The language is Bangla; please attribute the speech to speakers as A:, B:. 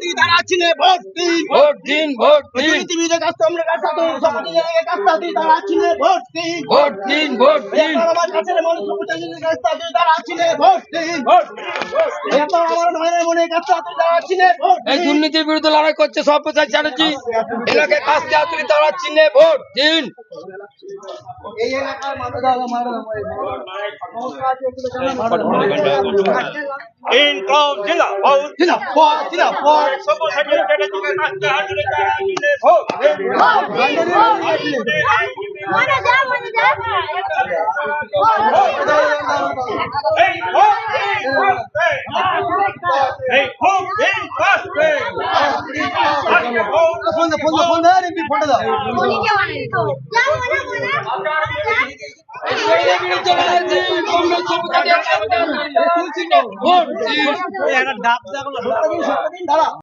A: তারা চিনে ভোট দিন
B: ভোট দিন ভোট দিন
A: পৃথিবীতে কাস্টমারের কাছে তো সবাই কাস্তা দিই তারা চিনে ভোট দিন
B: ভোট দিন ভোট দিন
A: আমার কাছে মানুষ প্রতিনিধির কাস্তা দিই তারা চিনে ভোট দিন আমার নয়নের মনে কাস্তা দিই তারা চিনে ভোট
B: এই দুর্নীতির বিরুদ্ধে লড়াই করছে সব্যসাচী চ্যাটার্জি এলাকায় কাস্তে আতুরি তারা চিনে ভোট দিন
A: এই এলাকার মানুষ
C: ইনকম জিন্দাবাদ
A: জিন্দাবাদ
C: সব্যসাচী চ্যাটার্জিকে কাস্তে আতুরি তারা চিনে ভোট দিন
D: মনে যা
C: এই ভোট দিন কাস্তে এই ভোট দিন কাস্তে
A: ফোন দাও এমপি ফোন দাও
D: মনে কে মানে তো যা মনে
B: দুর্নীতির বিরুদ্ধে লড়াই কংগ্রেস সব্যসাচী ভোট দিন
A: ডাব দাও দাঁড়া